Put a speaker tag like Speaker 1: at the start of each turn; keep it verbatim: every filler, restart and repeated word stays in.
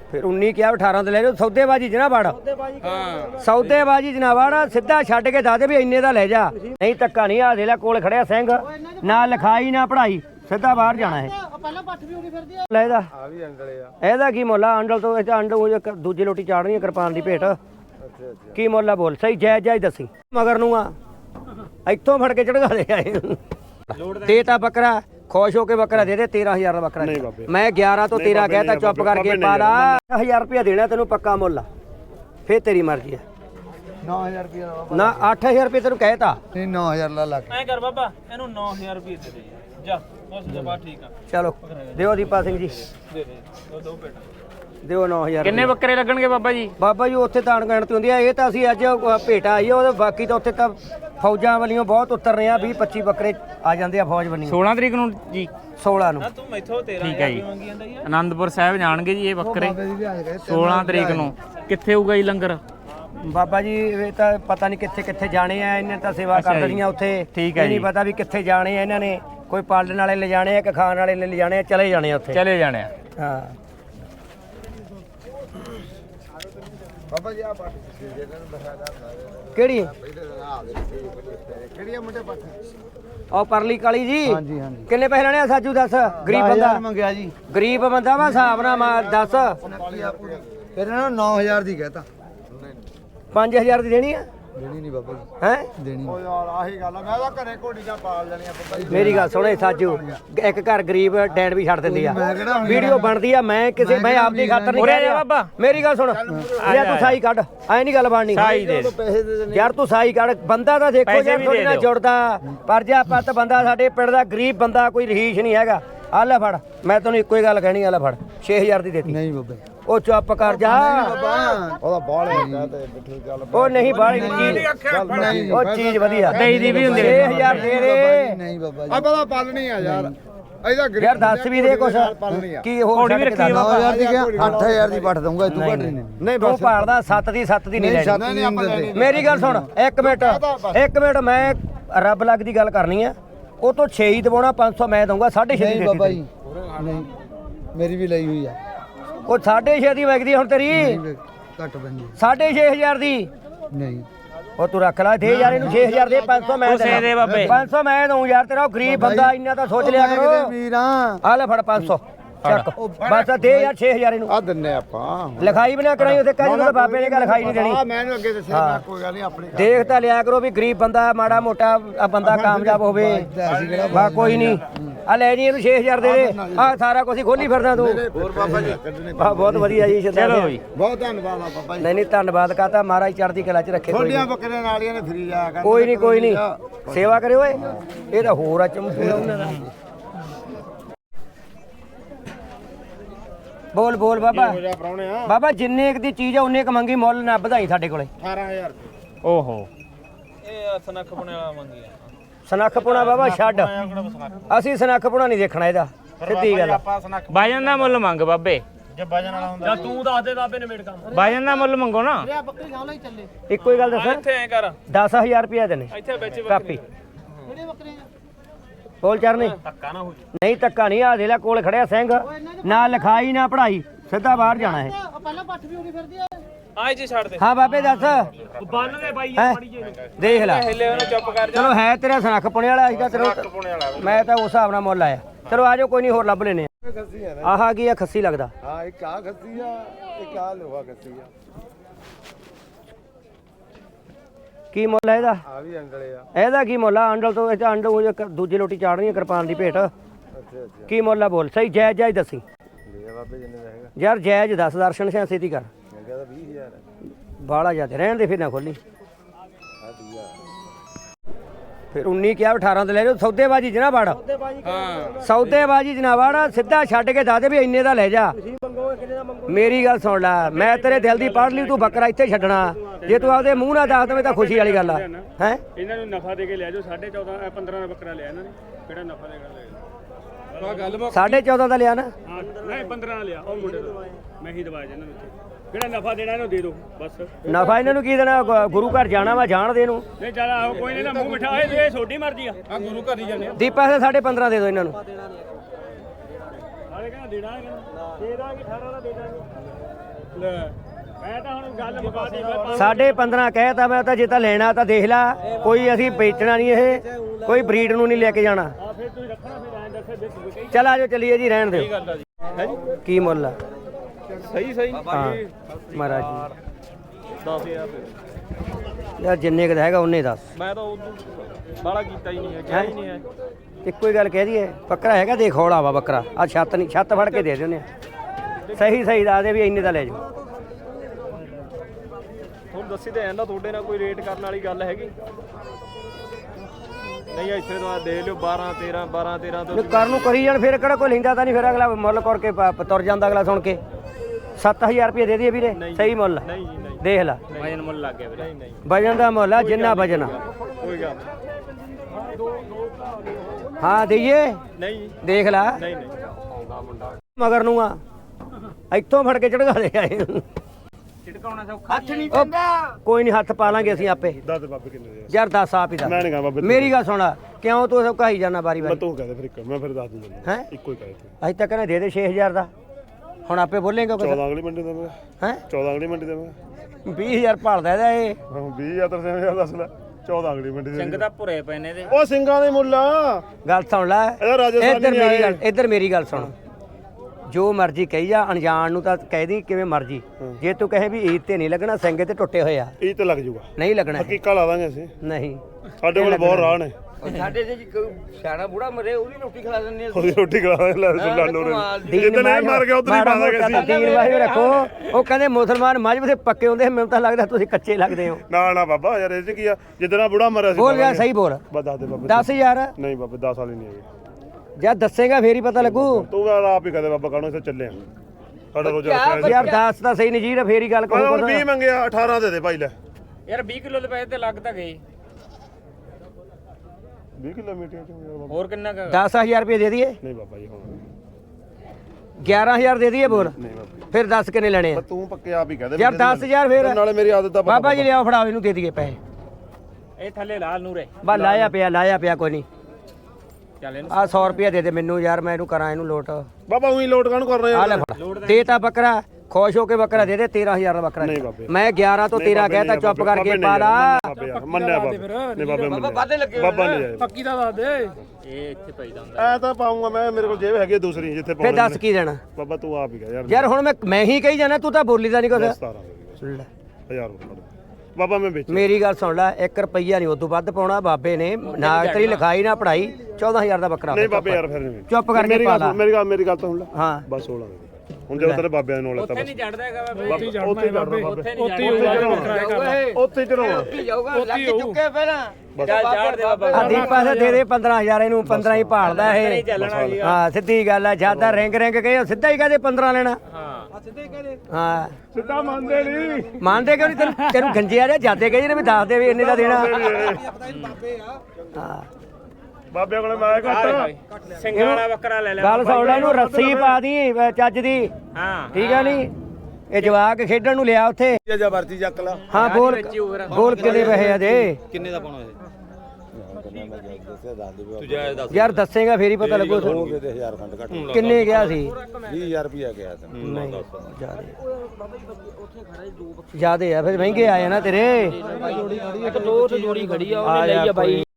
Speaker 1: ਫਿਰ ਉੱਨੀ ਕਿਹਾ ਅਠਾਰਾਂ ਤੇ ਲੈ ਜਾਓ ਸੌਦੇਬਾਜੀ ਜਨਾ ਵੜ ਹਾਂ ਸੌਦੇਬਾਜੀ ਜਨਾ ਵੜ ਸਿੱਧਾ ਛੱਡ ਕੇ ਦੱਸ ਦੇ ਵੀ ਇੰਨੇ ਦਾ ਲੈ ਜਾ ਨਹੀਂ ਧੱਕਾ ਨਹੀਂ ਆ ਦੇ ਲੈ ਕੋਲ ਖੜਿਆ ਸਿੰਘ ਨਾ ਲਿਖਾਈ ਨਾ ਪੜ੍ਹਾਈ ਸਿੱਧਾ ਬਾਹਰ ਜਾਣਾ ਹੈ ਪਹਿਲਾਂ ਪੱਠ ਵੀ ਉਗੀ ਫਿਰਦੀ ਆ ਲੈ ਇਹਦਾ ਆ ਵੀ ਅੰਡਲੇ ਆ ਇਹਦਾ ਕੀ ਮੁੱਲ ਆ ਅੰਡਲ ਤੋਂ ਇਹ ਅੰਡ ਉਹ ਦੂਜੀ ਲੋਟੀ ਚਾੜਨੀ ਆ ਕਿਰਪਾਨ ਦੀ ਭੇਟ ਅੱਛਾ ਅੱਛਾ ਕੀ ਮੁੱਲ ਆ ਬੋਲ ਸਹੀ ਜਾਇਜ਼ ਜਾਇਜ਼ ਦੱਸੀ ਮਗਰ ਨੂੰ ਆ ਇੱਥੋਂ ਫੜ ਕੇ ਚੜਗਾ ਦੇ ਆਏ ਦੇ ਤਾਂ ਬੱਕਰਾ ਖੁਸ਼ ਹੋ ਕੇ ਬੱਕਰਾ ਦੇ ਦੇ ਤੇਰਾਂ ਹਜ਼ਾਰ ਦਾ ਬੱਕਰਾ ਮੈਂ ਗਿਆਰਾਂ ਤੋਂ ਤੇਰਾਂ ਕਹਿਤਾ ਚੁੱਪ ਕਰਕੇ ਪਾ ਲਾ ਹਜ਼ਾਰ ਰੁਪਇਆ ਦੇਣਾ ਤੈਨੂੰ ਪੱਕਾ ਮੁੱਲ ਫੇਰ ਤੇਰੀ ਮਰਜ਼ੀ ਹੈ ਨੌ ਹਜ਼ਾਰ ਰੁਪਇਆ ਨਾ ਅੱਠ ਹਜ਼ਾਰ ਰੁਪਏ ਤੈਨੂੰ ਕਹਿਤਾ ਨਹੀਂ ਨੌ ਹਜ਼ਾਰ ਲਾ ਲਾ ਐ ਕਰ ਬਾਬਾ ਇਹਨੂੰ ਨੌ ਹਜ਼ਾਰ ਰੁਪਏ ਦੇ ਦੇ ਜਾ ਬਸ ਜਬਾ ਠੀਕ ਆ ਚਲੋ ਦਿਓ ਦੀਪਾ ਸਿੰਘ ਜੀ ਦੇ ਦੇ ਦੋ ਦੋ ਪੇਟ ਦਿਓ ਨੌ ਹਜ਼ਾਰ
Speaker 2: ਕਿੰਨੇ ਬੱਕਰੇ ਲੱਗਣਗੇ ਬਾਬਾ ਜੀ
Speaker 1: ਬਾਬਾ ਜੀ ਉੱਥੇ ਤਾਣ ਗਿਣਤੀ ਹੁੰਦੀ ਆ ਇਹ ਤਾਂ ਅਸੀਂ ਅੱਜ ਭੇਟਾ ਆਈ ਉਹ ਬਾਕੀ ਤਾਂ ਉੱਥੇ ਤਾਂ ਫੌਜਾਂ ਵਾਲੀਆਂ ਬਹੁਤ ਉਤਰ ਰਹੇ ਆ ਵੀਹ ਪੱਚੀ ਬੱਕਰੇ ਆ ਜਾਂਦੇ ਆ ਫੌਜ ਬਣੀ
Speaker 2: ਸੋਲਾਂ ਤਰੀਕ ਨੂੰ ਜੀ
Speaker 1: ਸੋਲਾਂ ਨੂੰ
Speaker 2: ਤੂੰ ਮੈਥੋਂ ਤੇਰਾਂ ਠੀਕ ਹੈ ਜੀ ਆਨੰਦਪੁਰ ਸਾਹਿਬ ਜਾਣਗੇ ਜੀ ਇਹ ਬੱਕਰੇ ਸੋਲਾਂ ਤਰੀਕ ਨੂੰ ਕਿੱਥੇ ਹੋਊਗਾ ਜੀ ਲੰਗਰ
Speaker 1: ਬਾਬਾ ਜੀ ਇਹ ਤਾਂ ਪਤਾ ਨਹੀਂ ਕਿੱਥੇ ਕਿੱਥੇ ਜਾਣੇ ਆ ਇਹਨੇ ਤਾਂ ਸੇਵਾ ਕਰ ਦੇਣੀ ਆ ਉੱਥੇ
Speaker 2: ਠੀਕ ਹੈ
Speaker 1: ਨਹੀਂ ਪਤਾ ਵੀ ਕਿੱਥੇ ਜਾਣੇ ਆ ਇਹਨਾਂ ਨੇ ਕੋਈ ਪਾਲਣ ਵਾਲੇ ਲੈ ਜਾਣੇ ਆ ਕਿ ਖਾਣ ਵਾਲੇ ਲੈ ਜਾਣੇ ਆ ਚਲੇ ਜਾਣੇ ਆ ਉੱਥੇ
Speaker 2: ਚਲੇ ਜਾਣੇ ਆ
Speaker 1: ਹਾਂ
Speaker 3: ਬਾਬਾ ਜੀ ਆ ਪੱਠ ਇਹਨਾਂ ਨੂੰ ਦਿਖਾ ਦਾ
Speaker 1: ਕਿਹੜੀ
Speaker 3: ਕਿਹੜੀ ਆ ਮੁੰਡੇ ਪੱਠ
Speaker 1: ਉਹ ਪਰਲੀ ਕਾਲੀ ਜੀ
Speaker 3: ਹਾਂਜੀ ਹਾਂਜੀ
Speaker 1: ਕਿੰਨੇ ਪੈਸੇ ਲੈਣੇ ਆ ਸਾਜੂ ਦੱਸ ਗਰੀਬ ਬੰਦਾ
Speaker 3: ਮੰਗਿਆ ਜੀ
Speaker 1: ਗਰੀਬ ਬੰਦਾ ਵਾ ਹਿਸਾਬ ਨਾਲ ਮਾਰ ਦੱਸ
Speaker 3: ਫਿਰ ਇਹਨਾਂ ਨੂੰ ਨੌ ਹਜ਼ਾਰ ਦੀ ਕਹਿਤਾ
Speaker 1: ਪੰਜ ਹਜ਼ਾਰ ਦੀ ਦੇਣੀ ਆ
Speaker 3: ਦੇਣੀ ਨਹੀਂ ਬਾਬਾ ਜੀ
Speaker 1: ਹੈ
Speaker 3: ਦੇਣੀ ਓ ਯਾਰ ਆਹੀ ਗੱਲ ਆ ਮੈਂ ਤਾਂ ਘਰੇ ਘੋੜੀਆਂ ਪਾਲ ਲੈਣੀਆਂ ਬਾਬਾ ਜੀ
Speaker 1: ਮੇਰੀ ਗੱਲ ਸੁਣੇ ਸਾਜੂ ਇੱਕ ਘਰ ਗਰੀਬ ਡੈਡ ਵੀ ਛੱਡ ਦਿੰਦੀ ਆ ਵੀਡੀਓ ਬਣਦੀ ਆ ਮੈਂ ਕਿਸੇ ਮੈਂ ਆਪਦੀ ਖਾਤਰ ਨਹੀਂ ਕਹਿ ਰਿਹਾ ਬਾਬਾ ਮੇਰੀ ਗੱਲ ਸੁਣ ਯਾਰ ਤੂੰ ਸਾਈ ਕੱਢ ਐ ਨਹੀਂ ਗੱਲ ਬਣਨੀ
Speaker 2: ਸਾਈ ਦੇ
Speaker 3: ਪੈਸੇ ਦੇ ਦੇਣੇ
Speaker 1: ਯਾਰ ਤੂੰ ਸਾਈ ਕੱਢ ਬੰਦਾ ਤਾਂ ਦੇਖੋ ਯਾਰ ਤੁਹਾਡੇ ਨਾਲ ਜੁੜਦਾ ਪਰ ਜੇ ਆਪਾਂ ਤਾਂ ਬੰਦਾ ਸਾਡੇ ਪਿੰਡ ਦਾ ਗਰੀਬ ਬੰਦਾ ਕੋਈ ਰਹੀਸ਼ ਨਹੀਂ ਹੈਗਾ ਆ ਲੈ ਫੜ ਮੈਂ ਤੈਨੂੰ ਇੱਕੋ ਹੀ ਗੱਲ ਕਹਿਣੀ ਆ ਲੈ ਫੜ ਛੇ ਹਜ਼ਾਰ ਦੀ ਦੇਤੀ
Speaker 3: ਨਹੀਂ ਬਾਬਾ
Speaker 1: ਉਹ ਚੁੱਪ ਕਰ ਜਾ
Speaker 3: ਉਹਦਾ ਬਾਲ ਹੈਗਾ ਤੇ ਬਿਠੂ ਗੱਲ
Speaker 1: ਉਹ ਨਹੀਂ ਬਾਹਲੀ ਚੀਜ਼ ਉਹ ਚੀਜ਼ ਵਧੀਆ
Speaker 2: ਦਹੀਂ ਦੀ ਵੀ ਹੁੰਦੀ
Speaker 1: ਛੇ ਹਜ਼ਾਰ ਦੇ ਦੇ
Speaker 3: ਨਹੀਂ ਬਾਬਾ ਜੀ ਆ ਪਤਾ ਪਾਲਣੀ ਆ ਯਾਰ ਇਹਦਾ
Speaker 1: ਯਾਰ ਦੱਸ ਵੀ ਦੇ ਕੁਛ ਕੀ ਹੋਰ
Speaker 2: ਵੀ ਰੱਖੀ
Speaker 3: ਨੌ ਹਜ਼ਾਰ ਦੀ ਗਿਆ ਅੱਠ ਹਜ਼ਾਰ ਦੀ ਪੱਠ ਦਊਂਗਾ ਤੂੰ ਘੱਟ ਨਹੀਂ
Speaker 1: ਨਹੀਂ ਤੂੰ ਭਾਲਦਾ ਸੱਤ ਦੀ ਸੱਤ ਦੀ ਨਹੀਂ ਲੈਣੀ ਮੇਰੀ ਗੱਲ ਸੁਣ ਇੱਕ ਮਿੰਟ ਇੱਕ ਮਿੰਟ ਮੈਂ ਰੱਬ ਲੱਗ ਦੀ ਗੱਲ ਕਰਨੀ ਆ ਉਹ ਤੋਂ ਛੇ ਹੀ ਦਵਾਉਣਾ ਪੰਜ ਸੌ ਮੈਂ ਦਊਂਗਾ ਸਾਢੇ ਛੇ ਦੀ
Speaker 3: ਬਾਬਾ ਜੀ ਨਹੀਂ ਮੇਰੀ ਵੀ ਲਈ ਹੋਈ ਆ
Speaker 1: ਉਹ ਸਾਢੇ ਛੇ ਦੀ ਵਿਕਦੀ ਹੁਣ ਤੇਰੀ
Speaker 3: ਘੱਟ ਬੰਦੀ
Speaker 1: ਸਾਢੇ ਛੇ ਹਜ਼ਾਰ ਦੀ
Speaker 3: ਨਹੀਂ
Speaker 1: ਉਹ ਤੂੰ ਰੱਖ ਲੈ ਦੇ ਯਾਰ ਇਹਨੂੰ ਛੇ ਹਜ਼ਾਰ ਦੇ ਪੰਜ ਸੌ ਮੈਂ
Speaker 2: ਦੇ ਦੇ ਬਾਬੇ
Speaker 1: ਪੰਜ ਸੌ ਮੈਂ ਦਊਂ ਯਾਰ ਤੇਰਾ ਗਰੀਬ ਬੰਦਾ ਇੰਨਾ ਤਾਂ ਸੋਚ ਲਿਆ ਕਰੋ
Speaker 3: ਵੀਰਾਂ
Speaker 1: ਆ ਲੈ ਫੜ ਪੰਜ ਸੌ ਚੱਕ ਬਸ ਦੇ ਯਾਰ ਛੇ ਹਜ਼ਾਰ ਇਹਨੂੰ
Speaker 3: ਆ ਦਿੰਨੇ ਆਪਾਂ
Speaker 1: ਲਿਖਾਈ ਵੀ ਨਾ ਕਰਾਈ ਉੱਥੇ ਕਹਿੰਦੇ ਤਾਂ ਬਾਬੇ ਨੇ ਕਾ ਲਿਖਾਈ ਨਹੀਂ ਦੇਣੀ
Speaker 3: ਆ ਮੈਨੂੰ ਅੱਗੇ ਦੱਸਿਆ ਮੈਂ ਕੋਈ ਗੱਲ ਨਹੀਂ ਆਪਣੀ
Speaker 1: ਦੇਖ ਤਾਂ ਲਿਆ ਕਰੋ ਵੀ ਗਰੀਬ ਬੰਦਾ ਮਾੜਾ ਮੋਟਾ ਆ ਬੰਦਾ ਕਾਮਯਾਬ ਹੋਵੇ ਬਾ ਕੋਈ ਨਹੀਂ ਆ ਲੈ ਜੀ ਇਹਨੂੰ ਛੇ ਹਜ਼ਾਰ ਦੇ ਦੇ ਆ ਸਾਰਾ ਕੁਝ ਹੀ ਖੋਲੀ ਫਿਰਦਾ ਤੂੰ
Speaker 3: ਹੋਰ ਬਾਬਾ ਜੀ
Speaker 1: ਆ ਬਹੁਤ ਵਧੀਆ ਜੀ
Speaker 2: ਚਲੋ ਜੀ
Speaker 3: ਬਹੁਤ ਧੰਨਵਾਦ ਆ ਬਾਬਾ ਜੀ
Speaker 1: ਨਹੀਂ ਨਹੀਂ ਧੰਨਵਾਦ ਕਾਤਾ ਮਹਾਰਾਜ ਚੜ੍ਹਦੀ ਕਲਾ ਚ ਰੱਖੇ ਕੋਈ
Speaker 3: ਛੋਟੀਆਂ ਬੱਕਰੀਆਂ ਨਾਲੀਆਂ ਨੇ ਫਰੀ ਜਾਇਆ ਕਰ
Speaker 1: ਕੋਈ ਨਹੀਂ ਕੋਈ ਨਹੀਂ ਸੇਵਾ ਕਰਿਓ ਓਏ ਇਹ ਤਾਂ ਹੋਰ ਆ ਚਮਕੂਰਾ ਉਹਨਾਂ ਦਾ ਬੋਲ ਬੋਲ ਬਾਬਾ ਬਾਬਾ ਜਿੰਨੇ ਇੱਕ ਦੀ ਚੀਜ਼ ਆ ਉਨੇ ਕ ਮੰਗੀ ਮੁੱਲ ਨਾ ਵਧਾਈ ਸਾਡੇ ਕੋਲੇ
Speaker 3: ਅਠਾਰਾਂ ਹਜ਼ਾਰ
Speaker 2: ਓਹੋ
Speaker 4: ਇਹ ਸਨੱਖ ਪੁਣੇ ਵਾਲਾ ਮੰਗੀ ਆ
Speaker 1: ਸਨੱਖ ਪੁਣਾ ਬਾਬਾ ਛੱਡ ਅਸੀਂ ਸਨੱਖ ਪੁਣਾ ਨਹੀਂ ਦੇਖਣਾ ਇਹਦਾ ਸਿੱਧੀ ਗੱਲ
Speaker 2: ਬਾਜਨ ਦਾ ਮੁੱਲ ਮੰਗ ਬਾਬੇ
Speaker 3: ਜੇ ਵਜਨ ਵਾਲਾ ਹੁੰਦਾ
Speaker 4: ਤੂੰ ਦੱਸ ਦੇ ਬਾਬੇ ਨੇ ਮੇੜ ਕੰਮ
Speaker 2: ਬਾਜਨ ਦਾ ਮੁੱਲ ਮੰਗੋ ਨਾ
Speaker 1: ਇੱਕੋ ਹੀ ਗੱਲ ਦੱਸ
Speaker 4: ਇੱਥੇ ਐ ਕਰ
Speaker 1: ਦਸ ਹਜ਼ਾਰ ਰੁਪਇਆ ਦੇਣੇ
Speaker 4: ਇੱਥੇ ਵਿੱਚ
Speaker 1: ਕਾਪੀ ਬੋਲ ਚਰਨੇ
Speaker 4: ਧੱਕਾ ਨਾ ਹੋ
Speaker 1: ਨਹੀਂ ਧੱਕਾ ਨਹੀਂ ਆ ਦੇ ਲੈ ਕੋਲ ਖੜਿਆ ਸਿੰਘ ਨਾ ਲਿਖਾਈ ਨਾ ਪੜ੍ਹਾਈ ਸਿੱਧਾ ਬਾਹਰ ਜਾਣਾ ਹੈ
Speaker 5: ਪਹਿਲਾਂ ਪੱਠ ਵੀ ਉਗੀ ਫਿਰਦੀ ਆ
Speaker 4: ਆਏ ਜੀ ਛੱਡ ਦੇ
Speaker 1: ਹਾਂ ਬਾਬੇ ਦੱਸ
Speaker 4: ਬੰਨ ਦੇ ਬਾਈ
Speaker 1: ਹੈਂ?
Speaker 4: ਮੜੀ ਜੇ
Speaker 1: ਦੇਖ ਲੈ
Speaker 4: ਹਿੱਲੇ ਉਹਨੂੰ ਚੁੱਪ ਕਰ ਜਾ
Speaker 1: ਚਲੋ ਹੈ ਤੇਰਾ ਸਨੱਖ ਪੁਣੇ ਵਾਲਾ ਅਸੀਂ ਤਾਂ ਤੈਨੂੰ ਮੈਂ ਤਾਂ ਉਸ ਹਿਸਾਬ ਨਾਲ ਮੁੱਲ ਆਇਆ ਚਲੋ ਆਜੋ ਕੋਈ ਨਹੀਂ ਹੋਰ ਲੱਭ ਲੈਨੇ ਆ
Speaker 3: ਖੱਸੀ ਆ
Speaker 1: ਆਹ ਕੀ ਆ ਖੱਸੀ ਲੱਗਦਾ
Speaker 3: ਹਾਂ ਇੱਕ ਆ ਖੱਸੀ ਆ ਇੱਕ ਆ ਲੋਹਾ ਖੱਸੀ ਆ
Speaker 1: ਕੀ ਮੁੱਲ ਹੈ ਇਹਦਾ
Speaker 3: ਆ ਵੀ ਅੰਗਲੇ ਆ
Speaker 1: ਇਹਦਾ ਕੀ ਮੁੱਲ ਆ ਅੰਡਲ ਤੋਂ ਇਹ ਤਾਂ ਅੰਡ ਉਹ ਇੱਕ ਦੂਜੀ ਲੋਟੀ ਚਾੜਨੀ ਆ ਕਿਰਪਾਨ ਦੀ ਭੇਟ
Speaker 3: ਅੱਛਾ ਅੱਛਾ
Speaker 1: ਕੀ ਮੁੱਲ ਆ ਬੋਲ ਸਹੀ ਜਾਇਜ਼ ਜਾਇਜ਼ ਦੱਸੀ
Speaker 3: ਲੈ ਬਾਬੇ ਜਿੰਨੇ ਦਾ ਹੈਗਾ
Speaker 1: ਯਾਰ ਜਾਇਜ਼ ਦੱਸ ਦਰਸ਼ਨ ਸਿਆਂ ਸੇਤੀ ਕਰ
Speaker 3: ਮੈਂ ਕਹਿੰਦਾ ਵੀਹ ਹਜ਼ਾਰ
Speaker 1: ਬਾਲਾ ਜਾਂਦੇ ਰਹਿਣ ਦੇ ਫਿਰ ਨਾ ਖੋਲੀ
Speaker 3: ਆ ਦੀਆ
Speaker 1: ਫਿਰ ਉੱਨੀ ਕਿਹਾ ਅਠਾਰਾਂ ਤੇ ਲੈ ਜਾਓ ਸੌਦੇਬਾਜੀ ਜਨਾ ਵੜ ਹਾਂ ਸੌਦੇਬਾਜੀ ਜਨਾ ਵੜ ਸਿੱਧਾ ਛੱਡ ਕੇ ਦੱਸ ਦੇ ਵੀ ਇੰਨੇ ਦਾ ਲੈ ਜਾ ਮੇਰੀ ਗੱਲ ਸੁਣ ਲੈ ਮੈਂ ਤੇਰੇ ਦਿਲ ਦੀ ਪੜ੍ਹ ਲਈ ਤੂੰ ਬੱਕਰਾ ਇੱਥੇ ਛੱਡਣਾ ਜੇ ਤੂੰ ਆਪਦੇ ਮੂੰਹ ਨਾਲ ਦੱਸ ਦਵੇਂ ਤਾਂ ਖੁਸ਼ੀ ਵਾਲੀ ਗੱਲ ਆ ਹੈ
Speaker 4: ਇਹਨਾਂ ਨੂੰ ਨਫਾ ਦੇ ਕੇ ਲੈ ਜਾਓ ਸਾਢੇ ਚੌਦਾਂ ਪੰਦਰਾਂ ਦਾ ਬੱਕਰਾ ਲਿਆ ਇਹਨਾਂ ਨੇ ਕਿਹੜਾ ਨਫਾ ਦੇਗਾ ਲੈ ਗੱਲ
Speaker 1: ਸਾਢੇ ਚੌਦਾਂ ਦਾ ਲਿਆ ਨਾ
Speaker 4: ਹਾਂ ਨਹੀਂ ਪੰਦਰਾਂ ਲਿਆ ਉਹ ਮੁੰਡੇ ਦਾ ਮੈਂ ਹੀ ਦਵਾਇਆ ਇਹਨਾਂ ਨੂੰ ਕਿਹੜਾ ਨਫਾ ਦੇਣਾ ਇਹਨੂੰ ਦੇ ਦਿਓ ਬਸ
Speaker 1: ਨਫਾ ਇਹਨਾਂ ਨੂੰ ਕੀ ਦੇਣਾ ਗੁ- ਗੁਰੂ ਘਰ ਜਾਣਾ ਵਾ ਜਾਣ ਦੇ ਨੂੰ
Speaker 4: ਨਹੀਂ ਚੱਲ ਆਹੋ ਕੋਈ ਨਹੀਂ ਨਾ ਮੂੰਹ ਮਿਠਾ ਇਹ ਇਹ ਛੋਟੀ ਮਰਜ਼ੀ ਆ ਆ ਗੁਰੂ ਘਰ ਹੀ ਜਾਂਦੇ
Speaker 1: ਦੀਪਾ ਦੇ ਸਾਢੇ ਪੰਦਰਾਂ ਦੇ ਦਿਓ ਇਹਨਾਂ ਨੂੰ
Speaker 4: ਨਾਲੇ ਕਹਿੰਦਾ ਦੇਣਾ ਹੈ ਕਹਿੰਦਾ ਦੇ ਦਾਂਗੇ ਅਠਾਰਾਂ ਦਾ ਦੇ ਦਾਂਗੇ ਮੈਂ ਤਾਂ ਹੁਣ ਗੱਲ ਮੁਕਾ ਦੀ ਮੈਂ
Speaker 1: ਸਾਢੇ ਪੰਦਰਾਂ ਕਹਿਤਾ ਮੈਂ ਤਾਂ ਜੇ ਤਾਂ ਲੈਣਾ ਤਾਂ ਦੇਖ ਲੈ ਕੋਈ ਅਸੀਂ ਵੇਚਣਾ ਨਹੀਂ ਇਹ ਕੋਈ ਬਰੀਡ ਨੂੰ ਨਹੀਂ ਲੈ ਕੇ ਜਾਣਾ
Speaker 4: ਆ ਫਿਰ ਤੁਸੀਂ ਰੱਖਣਾ ਫਿਰ ਐਂ ਦੱਸੇ ਵਿੱਚ ਵਿਕੇ
Speaker 1: ਚਲ ਆਜੋ ਚਲੀਏ ਜੀ ਰਹਿਣ ਦਿਓ
Speaker 4: ਗੱਲ ਆ ਜੀ ਹੈ ਜੀ
Speaker 1: ਕੀ ਮੁੱਲ ਆ
Speaker 4: ਸਹੀ ਸਹੀ
Speaker 1: ਹਾਂ ਮਹਾਰਾਜ
Speaker 4: ਦਸ ਹਜ਼ਾਰ ਰੁਪਏ
Speaker 1: ਯਾਰ ਜਿੰਨੇ ਕੁ ਹੈਗਾ ਉਹਨੇ ਦੱਸ
Speaker 4: ਮੈਂ ਤਾਂ ਉਦੋਂ ਬਾਲਾ ਕੀਤਾ ਹੀ ਨਹੀਂ ਹੈ ਕਿਹਾ ਹੀ ਨਹੀਂ ਹੈ
Speaker 1: ਇੱਕੋ ਹੀ ਗੱਲ ਕਹਿ ਦਈਏ ਬੱਕਰਾ ਹੈਗਾ ਦੇਖ ਹੌਲਾ ਵਾ ਬੱਕਰਾ ਆ ਛੱਤ ਨਹੀਂ ਛੱਤ ਫੜ ਕੇ ਦੇ ਦਿੰਦੇ ਸਹੀ ਸਹੀ ਦੱਸ ਦੇ ਵੀ ਇੰਨੇ ਦਾ ਲੈ ਜਾਓ
Speaker 4: ਹੁਣ ਦੱਸੀ ਤੇ ਐਂਦਾ ਤੁਹਾਡੇ ਨਾਲ ਕੋਈ ਰੇਟ ਕਰਨ ਵਾਲੀ ਗੱਲ ਹੈਗੀ ਨਹੀਂ ਇੱਥੇ ਤਾਂ ਦੇ ਲਿਓ ਬਾਰਾਂ ਤੇਰਾਂ ਬਾਰਾਂ ਤੇਰਾਂ ਤੋਂ
Speaker 1: ਕਰ ਨੂੰ ਕਰੀ ਜਾਣ ਫਿਰ ਕਿਹੜਾ ਕੋਈ ਲੈਂਦਾ ਤਾਂ ਨਹੀਂ ਫਿਰ ਅਗਲਾ ਮੁੱਲ ਕਰਕੇ ਪ- ਤੁਰ ਜਾਂਦਾ ਅਗਲਾ ਸੁਣ ਕੇ ਸੱਤ ਹਜ਼ਾਰ ਰੁਪਏ ਦੇ ਦਈਏ ਵੀਰੇ ਸਹੀ ਮੁੱਲ
Speaker 4: ਨਹੀਂ ਜੀ ਨਹੀਂ
Speaker 1: ਦੇਖ ਲੈ
Speaker 2: ਵਜਨ ਮੁੱਲ ਲੱਗ ਗਿਆ ਵੀਰੇ
Speaker 4: ਨਹੀਂ ਨਹੀਂ
Speaker 1: ਵਜਨ ਦਾ ਮੁੱਲ ਆ ਜਿੰਨਾ ਵਜਨ ਆ
Speaker 4: ਕੋਈ ਗੱਲ
Speaker 1: ਹਾਂ ਦਈਏ
Speaker 4: ਨਹੀਂ ਜੀ
Speaker 1: ਦੇਖ ਲੈ
Speaker 4: ਨਹੀਂ ਨਹੀਂ
Speaker 1: ਮਗਰ ਨੂੰ ਆ ਇੱਥੋਂ ਫੜ ਕੇ ਚੜਗਾ ਦੇ ਆਏ
Speaker 2: ਛਿੜਕਾਉਣਾ ਸੌਖਾ
Speaker 1: ਹੱਥ ਨਹੀਂ ਪੈਂਦਾ ਕੋਈ ਨਹੀਂ ਹੱਥ ਪਾ ਲਾਂਗੇ ਅਸੀਂ ਆਪੇ
Speaker 3: ਦੱਸ ਬਾਬੇ ਕਿੰਨੇ ਦੇ
Speaker 1: ਯਾਰ ਦੱਸ ਆਪ ਹੀ
Speaker 3: ਮੈਂ
Speaker 1: ਦੱਸ
Speaker 3: ਨਹੀਂ ਕਹਾਂ ਬਾਬੇ
Speaker 1: ਮੇਰੀ ਗੱਲ ਸੁਣ ਕਿਉਂ ਤੂੰ ਸਭ ਕਹਾਈ ਜਾਣਾ ਬਾਰੀ
Speaker 3: ਮੈਂ
Speaker 1: ਬਾਰੀ
Speaker 3: ਤੂੰ ਕਹਦੇ ਫਿਰ ਇੱਕ ਮੈਂ ਫਿਰ ਦੱਸ ਦੂੰਗਾ
Speaker 1: ਹੈ
Speaker 3: ਇੱਕੋ ਹੀ ਕਹੇ ਤੂੰ
Speaker 1: ਅਸੀਂ ਤਾਂ ਕਹਿੰਦੇ ਦੇ ਦੇ ਛੇ ਹਜ਼ਾਰ ਦਾ ਹੁਣ ਆਪੇ ਬੋਲੇਗਾ ਕੁਝ
Speaker 3: ਚੌਦਾਂ ਅਗਲੀ ਮੰਡੀ ਦੇਵਾਂਗਾ
Speaker 1: ਹੈ
Speaker 3: ਚੌਦਾਂ ਅਗਲੀ ਮੰਡੀ ਦੇਵਾਂਗਾ
Speaker 1: ਵੀਹ ਹਜ਼ਾਰ ਭਾਲਦਾ ਇਹਦਾ ਇਹ
Speaker 3: ਹਾਂ ਵੀਹ ਹਜ਼ਾਰ ਤਾਂ ਹਜ਼ਾਰ ਦੱਸ ਲੈ ਚੌਦਾਂ ਅਗਲੀ ਮੰਡੀ ਦੇ
Speaker 2: ਸਿੰਘ ਤਾਂ ਭੁਰੇ ਪਏ ਨੇ ਇਹਦੇ
Speaker 3: ਉਹ ਸਿੰਘਾਂ ਦੇ ਮੁੱਲ ਆ
Speaker 1: ਗੱਲ ਸੁਣ ਲੈ
Speaker 3: ਇਹਦਾ ਰਾਜਸਥਾਨੀ
Speaker 1: ਇੱਧਰ
Speaker 3: ਨਹੀਂ
Speaker 1: ਮੇਰੀ
Speaker 3: ਆਏ।
Speaker 1: ਗੱਲ ਇੱਧਰ ਮੇਰੀ ਗੱਲ ਸੁਣ ਜੋ ਮਰਜ਼ੀ ਕਹੀ ਜਾ ਅਣਜਾਣ ਨੂੰ ਤਾਂ ਕਹਿ ਦੀ ਕਿਵੇਂ ਮਰਜ਼ੀ ਜੇ ਤੂੰ ਕਹੇ ਵੀ ਈਦ ਤੇ ਨਹੀਂ ਲੱਗਣਾ ਸਿੰਗੇ ਤੇ ਟੁੱਟੇ ਹੋਏ ਆ
Speaker 3: ਇਹ ਤੇ ਲੱਗ ਜੂਗਾ
Speaker 1: ਨਹੀਂ ਲੱਗਣਾ
Speaker 3: ਹਕੀਕਾ ਲਾ ਦਾਂਗੇ ਅਸੀਂ
Speaker 1: ਨਹੀਂ
Speaker 3: ਸਾਡੇ ਕੋਲ ਬਹੁਤ ਰਾਹ ਨੇ
Speaker 1: ਸਾਡੇ ਜੇ ਸਿਆਣਾ ਬੁੜਾ ਮਰੇ ਉਹਦੀ ਰੋਟੀ ਖਿਲਾ ਦਿੰਦੇ ਆ
Speaker 3: ਉਹਦੀ ਰੋਟੀ ਖਾ ਦਾਂਗੇ ਲੈ ਸੁਲਾ ਨੂਰੇ ਜਿੱਦਣ ਇਹ ਮਰ ਗਿਆ ਉਦੋਂ ਹੀ ਪਾ ਦਾਂਗੇ ਅਸੀਂ
Speaker 1: ਦੀਨ ਵਾਹਿ ਰੱਖੋ ਉਹ ਕਹਿੰਦੇ ਮੁਸਲਮਾਨ ਮਜਬ ਦੇ ਪੱਕੇ ਹੁੰਦੇ ਆ, ਮੈਨੂੰ ਤਾਂ ਲੱਗਦਾ ਤੁਸੀਂ ਕੱਚੇ ਲੱਗਦੇ ਹੋ
Speaker 3: ਨਾ ਨਾ ਬਾਬਾ ਯਾਰ ਇਹ ਚ ਕੀ ਆ ਜਿੱਦਣ ਆ ਬੁੜਾ ਮਰਿਆ ਸੀ
Speaker 1: ਬੋਲ ਯਾਰ ਸਹੀ ਬੋਲ
Speaker 3: ਬਸ ਦੱਸ ਦੇ ਬਾਬੇ
Speaker 1: ਦਸ ਹਜ਼ਾਰ
Speaker 3: ਨਹੀਂ ਬਾਬੇ ਦਸ ਵਾਲੀ ਨਹੀਂ ਹੈਗੀ
Speaker 1: ਜਦ ਦੱਸੇਗਾ ਫੇਰ ਹੀ ਪਤਾ ਲੱਗੂ
Speaker 3: ਤੂੰ ਯਾਰ ਆਪ ਹੀ ਕਹਦੇ ਬਾਬਾ ਕਾਹਨੂੰ ਇੱਥੇ ਚੱਲੇ ਆ ਸਾਡਾ ਰੋਜ਼ਾ ਰੱਖਿਆ
Speaker 1: ਯਾਰ ਦੱਸ ਤਾਂ ਸਹੀ ਨਜੀਰ ਫੇਰ ਹੀ ਗੱਲ
Speaker 3: ਮੈਂ
Speaker 1: ਕਹੂਗਾ
Speaker 3: ਹੁਣ ਵੀਹ ਮੰਗਿਆ ਅਠਾਰਾਂ ਦੇ ਦੇ ਭਾਈ ਲੈ
Speaker 2: ਯਾਰ ਵੀਹ ਕਿਲੋ ਦੇ ਪੈਸੇ ਤੇ ਲੱਗ ਤਾਂ ਗਏ
Speaker 3: ਵੀਹ ਕਿਲੋਮੀਟਰ ਚ ਯਾਰ ਬਾਬਾ
Speaker 2: ਹੋਰ ਕਿੰਨਾ ਕੁ
Speaker 1: ਦਸ ਹਜ਼ਾਰ ਰੁਪਏ ਦੇ ਦਈਏ
Speaker 3: ਨਹੀਂ ਬਾਬਾ ਜੀ ਹੁਣ
Speaker 1: ਗਿਆਰਾਂ ਹਜ਼ਾਰ ਦੇ ਦਈਏ ਬੋਲ
Speaker 3: ਨਹੀਂ ਬਾਬਾ
Speaker 1: ਫਿਰ ਦੱਸ ਕਿੰਨੇ ਲੈਣੇ ਆ
Speaker 3: ਪਰ ਤੂੰ ਪੱਕੇ ਆਪ ਹੀ ਕਹਦੇ
Speaker 1: ਯਾਰ ਦਸ ਹਜ਼ਾਰ ਫੇਰ
Speaker 3: ਨਾਲੇ ਮੇਰੀ ਆਦਤ ਦਾ
Speaker 1: ਬਾਬਾ ਜੀ ਲਿਆਓ ਫੜਾਓ ਇਹਨੂੰ ਦੇ ਦਈਏ ਪੈਸੇ
Speaker 2: ਇਹ ਥੱਲੇ ਲਾਲ ਨੂਰੇ
Speaker 1: ਬਾ ਲਾਇਆ ਪਿਆ ਲਾਇਆ ਪਿਆ ਕੋਈ ਨਹੀਂ
Speaker 2: ਚੱਲ ਇਹਨੂੰ
Speaker 1: ਆ ਸੌ ਰੁਪਏ ਦੇ ਦੇ ਮੈਨੂੰ ਯਾਰ ਮੈਂ ਇਹਨੂੰ ਕਰਾਂ ਇਹਨੂੰ ਲੋਟ
Speaker 3: ਬਾਬਾ ਉਹੀ ਲੋਟ ਕਾਹਨੂੰ ਕਰ ਰਹੇ
Speaker 1: ਆ
Speaker 3: ਆ
Speaker 1: ਲੈ ਫੜ ਦੇ ਤਾਂ ਬੱਕਰਾ ਖੁਸ਼ ਹੋ ਕੇ ਬੱਕਰਾ ਦੇ ਦੇ ਤੇਰਾਂ ਹਜ਼ਾਰ ਦਾ ਬੱਕਰਾ
Speaker 3: ਨਹੀਂ ਬਾਬੇ
Speaker 1: ਮੈਂ ਗਿਆਰਾਂ ਤੋਂ ਤੇਰਾਂ ਕਹਿਤਾ ਚੁੱਪ ਕਰਕੇ ਪਾ ਲਾ
Speaker 3: ਮੰਨਿਆ ਬਾਬੇ ਨਹੀਂ ਬਾਬੇ ਮੰਨਿਆ ਬਾਬਾ ਨਹੀਂ ਜਾਏ
Speaker 4: ਪੱਕੀ ਦਾ ਦੱਸ ਦੇ
Speaker 2: ਇਹ ਇੱਥੇ ਪਈਦਾ ਹੁੰਦਾ
Speaker 3: ਐ ਤਾਂ ਪਾਉਂਗਾ ਮੈਂ ਮੇਰੇ ਕੋਲ ਜੇਬ ਹੈਗੀ ਆ ਦੂਸਰੀ ਜਿੱਥੇ
Speaker 1: ਫਿਰ
Speaker 3: ਪਾਉਣਾ
Speaker 1: ਦੱਸ ਕੀ ਦੇਣਾ
Speaker 3: ਬਾਬਾ ਤੂੰ ਆਪ ਹੀ ਕਹਿ ਯਾਰ
Speaker 1: ਯਾਰ ਹੁਣ ਮੈਂ ਮੈਂ ਹੀ ਕਹੀ ਜਾਣਾ ਤੂੰ ਤਾਂ ਬੋਲੀ ਦਾ ਨਹੀਂ ਕੁਛ
Speaker 3: ਸਤਾਰਾਂ ਦੇ
Speaker 1: ਲੈ,
Speaker 3: ਹਜ਼ਾਰ ਰੁਪਏ ਫੜ। ਬਾਬਾ ਮੈਂ ਵੇਚ
Speaker 1: ਮੇਰੀ ਗੱਲ ਸੁਣ ਲੈ ਇੱਕ ਰੁਪਈਆ ਨਹੀਂ ਉਦੋਂ ਵੱਧ ਪਾਉਣਾ ਬਾਬੇ ਨੇ ਨਾ ਤੇਰੀ ਲਿਖਾਈ ਨਾ ਪੜਾਈ ਚੌਦਾਂ ਹਜ਼ਾਰ ਦਾ ਬੱਕਰਾ
Speaker 3: ਨਹੀਂ ਬਾਬੇ ਯਾਰ ਫਿਰ ਨਹੀਂ
Speaker 1: ਚੁੱਪ ਕਰਕੇ
Speaker 3: ਮੇਰੀ
Speaker 1: ਪਾ
Speaker 3: ਗੱਲ
Speaker 1: ਲਾ
Speaker 3: ਸੁਣ, ਮੇਰੀ ਗੱਲ ਮੇਰੀ ਗੱਲ ਤਾਂ ਸੁਣ ਲੈ
Speaker 1: ਹਾਂ
Speaker 3: ਬਸ ਸੋਲਾਂ ਦੇ ਦੇ। ਹੁਣ ਜਦੋਂ ਤੇਰੇ ਬਾਬਿਆਂ ਨੇ ਨੌ ਲੱਤਾ
Speaker 2: ਉੱਥੇ
Speaker 3: ਬਸ
Speaker 2: ਨਹੀਂ ਚੜਦਾ ਹੈਗਾ ਬਾਬੇ
Speaker 3: ਉੱਥੇ ਹੀ ਚੜਨਾ ਬਾਬੇ
Speaker 2: ਉੱਥੇ ਨਹੀਂ
Speaker 4: ਉੱਥੇ ਹੀ
Speaker 2: ਚੜਦਾ
Speaker 4: ਹੋਊਗਾ
Speaker 3: ਉੱਥੇ ਚੜਾਉਣਾ
Speaker 1: ਜਾਊਗਾ ਲੱਗ ਚੁੱਕੇ ਪਹਿਲਾਂ
Speaker 2: ਚੱਲ ਚਾੜ ਦੇ ਬਾਬਾ
Speaker 1: ਆ ਦੀਪਾ ਸੇ ਦੇ ਦੇ ਪੰਦਰਾਂ ਹਜ਼ਾਰ ਇਹਨੂੰ ਪੰਦਰਾਂ ਹੀ ਭਾਲਦਾ ਇਹ
Speaker 2: ਚੱਲਣਾ ਜੀ
Speaker 1: ਹਾਂ ਸਿੱਧੀ ਗੱਲ ਆ ਜਿਆਦਾ ਰਿੰਗ ਰਿੰਗ ਕਹੇ ਸਿੱਧਾ ਹੀ ਕਹਦੇ ਪੰਦਰਾਂ ਲੈਣਾ
Speaker 2: ਹਾਂ
Speaker 1: ਹਾਂ
Speaker 3: ਸਿੱਧਾ ਮੰਨਦੇ ਨਹੀਂ
Speaker 1: ਮੰਨਦੇ ਕਿਉਂ ਨਹੀਂ ਤੈਨੂੰ ਤੈਨੂੰ ਗੰਜਿਆ ਰਿਹਾ ਜਾਦੇ ਕਹੇ ਨੇ ਵੀ ਦੱਸ ਦੇ ਵੀ ਇੰਨੇ ਦਾ ਦੇਣਾ ਹਾਂ
Speaker 3: ਬਾਬਿਆਂ ਕੋਲੇ ਮੈਂ ਘੱਟ
Speaker 2: ਸਿੰਘਾਂ ਵਾਲਾ ਬੱਕਰਾ ਲੈ ਲੈ
Speaker 1: ਗੱਲ ਸੁਣ ਲੈ ਇਹਨੂੰ ਰੱਸੀ ਪਾ ਦੀ ਅਹ ਚੱਜ ਦੀ
Speaker 2: ਹਾਂ
Speaker 1: ਠੀਕ ਆ ਨਹੀਂ ਇਹ ਜਵਾਕ ਖੇਡਣ ਨੂੰ ਲਿਆ ਉੱਥੇ
Speaker 3: ਜਾਂ ਵਰਤੀ ਚੱਕ ਲਾ
Speaker 1: ਹਾਂ ਬੋਲ ਬੋਲ ਕਿੰਨੇ ਪੈਸੇ ਆ ਦੇ
Speaker 5: ਕਿੰਨੇ ਦਾ ਪਾਉਣਾ ਇਹ
Speaker 1: ਯਾਰ ਦੱਸੇਗਾ ਫੇਰ ਹੀ ਪਤਾ ਲੱਗੂ ਤੁਹਾਨੂੰ
Speaker 5: ਦੇ ਹਜ਼ਾਰ ਖੰਡ ਘੱਟ
Speaker 1: ਕਿੰਨੇ ਗਿਆ ਸੀ
Speaker 5: ਵੀਹ ਹਜ਼ਾਰ ਰੁਪਇਆ ਗਿਆ ਤੈਨੂੰ
Speaker 1: ਨਹੀਂ ਜਿਆਦੇ ਜਿਆਦੇ ਆ ਫਿਰ ਮਹਿੰਗੇ ਆਏ ਨਾ ਤੇਰੇ ਇੱਕ ਦੋ ਤੇ ਜੋੜੀ ਖੜੀ ਆ ਉਹਨੇ ਲਈ ਆ ਬਾਈ